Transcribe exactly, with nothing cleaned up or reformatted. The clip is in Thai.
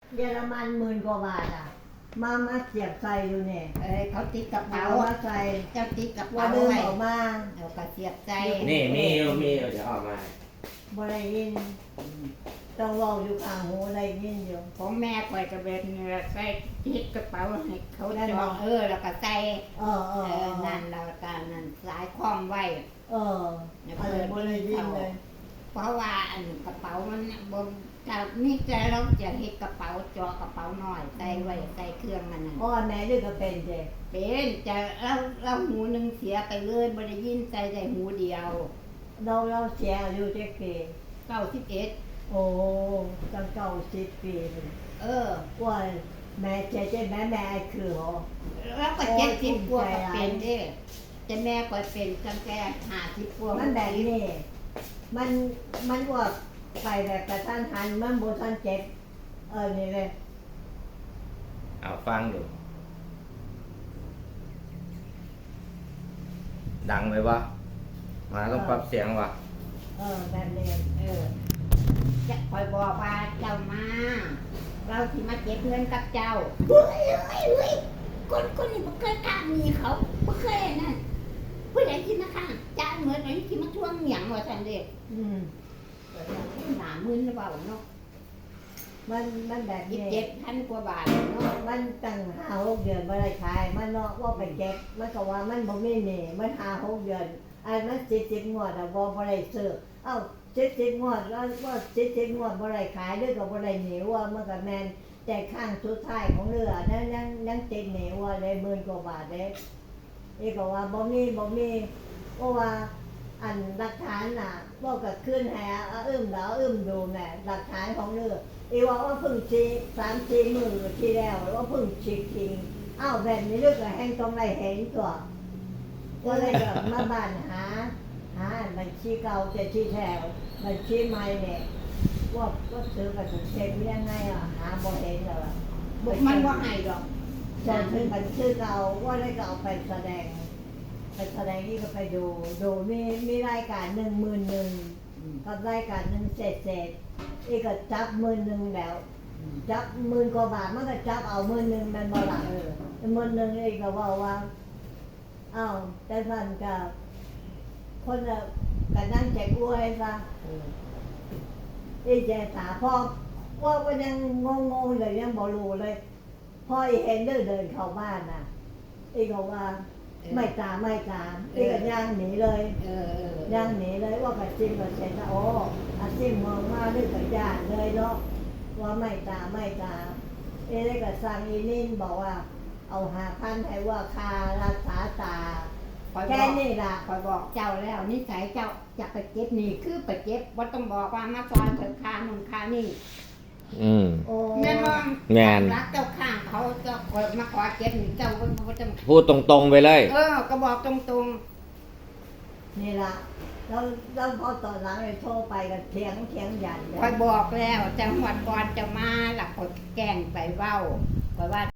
เยอรมันหมื่นกว่าบาทอ่ะมามาเสียบใส่อยู่เนี่ยเอ้ยเขาติดกระเป๋าเอามาใส่เจ้าติดกระว่าเป๋าเดินไว้ออกมาเอากระเสียบใจนี่มีอยู่มีอยู่เดี๋ยวออกมาบ่ได้ยินต้องเว้าอยู่ข้างหูได้ยินอยู่ผมแม่ปล่อยกระเบนเนื้อใส่ติดกระเป๋าให้เขาจองเออแล้วก็ใส่เออเอเอออนั่นเราการนั่นสายคล้องไว้เอออะไรบ่ได้ยินเลยเพราะว่าอันกระเป๋ามันบนจะมีใจเราจะเฮ็ดกระเป๋าจอกระเป๋าน้อยใส่ไว้ใส่เครื่องมันน่ะพ่อแม่ด้วยก็เป็นเจ้เป็นจะเราเราหูหนึงเสียไปเลยบ่ได้ยินใส่ได้หูเดียวเราเราเสียอายุเจ็ดปีเก้าสิบเอ็ดโอ้ตั้งเก้าสิบปีเลยเออว่าแม่เจ๊เจ๊แม่แม่ไอ้คือเหรอแล้วก็เจ็ดสิบกว่าก็เป็นเด้จะแม่ก็เป็นตั้งแต่ห้าสิบกว่ามันแบบนี้มันมันว่าไปแบบกระทันหันมันโบทันเจ็บเออนี่เลยเอาฟังดูดังไหมวะมาต้องปรับเสียงวะเออแบบนี้เออจะคอยบอกว่าเจ้ามาเราสิมาเก็บเงินกับเจ้าเฮ้ยเฮ้ยเฮ้ยคนคนนี้บ่เคยกล้ามีเขาบ่เคยนั่นผู้ใดที่มาข้างจ้าเหมือนไอ้ที่มาทวงหยังว่าซั่นเด้อืมหนามื่นหรือเปล่าเนาะมันมันแบบยี่นี้สิบเจ็ดพันกว่าบาทเนาะมันตั้งห้าหกเดือนไม่ได้ขายมันเนาะว่าไปเจ็บมันก็ว่ามันบ่มีหนี้มันห้าหกเดือนไอ้มันเจ็ดสิบงวดอะบ่บ่ได้ซื้อเอ้าเจ็ดสิบงวดแล้วว่าเจ็ดสิบงวดบ่ได้ขายด้วยก็บ่ได้หนีว่ามันก็แม่นแต่ข้างสุดท้ายของเรือนั่นยังยังติดหนีว่าได้หมื่นกว่าบาทเด้นี่ก็ว่าบ่มีบ่มีเพราะว่าอันหลักฐานน่ะบ่ก็ขึ้นให้เอาอึ้มดาวอึ้มดูแม่หลักฐานของเรืออีว่าว่าเพิ่งชีสามสี่มื้อที่แล้วว่าเพิ่งฉีกทิ้งอ้าวแบบนี้เรื่องก็แห้งต้องได้เห็นตัวก็เลยก็มาบ้านหาหาบัญชีเก่าแต่ที่แถวบัญชีใหม่เนี่ยว่าก็ซื้อกันเช็คยังไงอ่ะหาบ่เห็นแล้วอ่ะบุกมันบ่ให้ดอกจะถึงบัญชีเก่าว่าได้ก็เอาไปแสดงไปแสดงนี่ก็ไปดูดูมีมีรายการหนึ่งหมื่นหนึ่งกับรายการหนึ่งเศษเศษอีกก็จับหมื่นหนึ่งแล้วจับหมื่นกว่าบาทมันก็จับเอาหมื่นหนึ่งมันบ่ละเออหมื่นหนึ่งอีกก็ว่าว่าอ้าวแต่ท่านก็คนละกันนั่งแจกอวยซะอีแจกถาพ่อว่าก็ยังงงงเลยยังบ่รู้เลยพ่ออีเห็นเดินเดินเข้าบ้านน่ะอีก็ว่าไม่ตามไม่ตามอีก็ย่างหนีเลยเออเออย่างหนีเลยว่าไปจิ้มกับเสร็จแล้วโอ้อาจิ้มมองมาด้วยกับญาติเลยเนาะว่าไม่ตามไม่ตามเอ้ได้กับซังอีนินบอกว่าเอาหาพันให้ว่าคารักษาตาแค่นี้ล่ะคอยบอกเจ้าแล้วนิสัยเจ้าอยากไปเก็บนี่คือไปเก็บบ่ต้องบอกว่ามาซอยเถิดค่านู่นค่านี่อืมโอ้แม่นบ่แม่นรักเจ้าข้างเขาเจ้าคอยมาขอเก็บนี่เจ้าบ่บ่ต้องพูดตรงๆไปเลยเออก็บอกตรงนี่ล่ะแล้วแล้วพอตอนหลังเลยโทรไปกับเถียงเถียงยันเลๆคอยยบอกแล้วจังหวัดก่อนจะมาหลักคอยแกล้งไปเว้าคอยว่า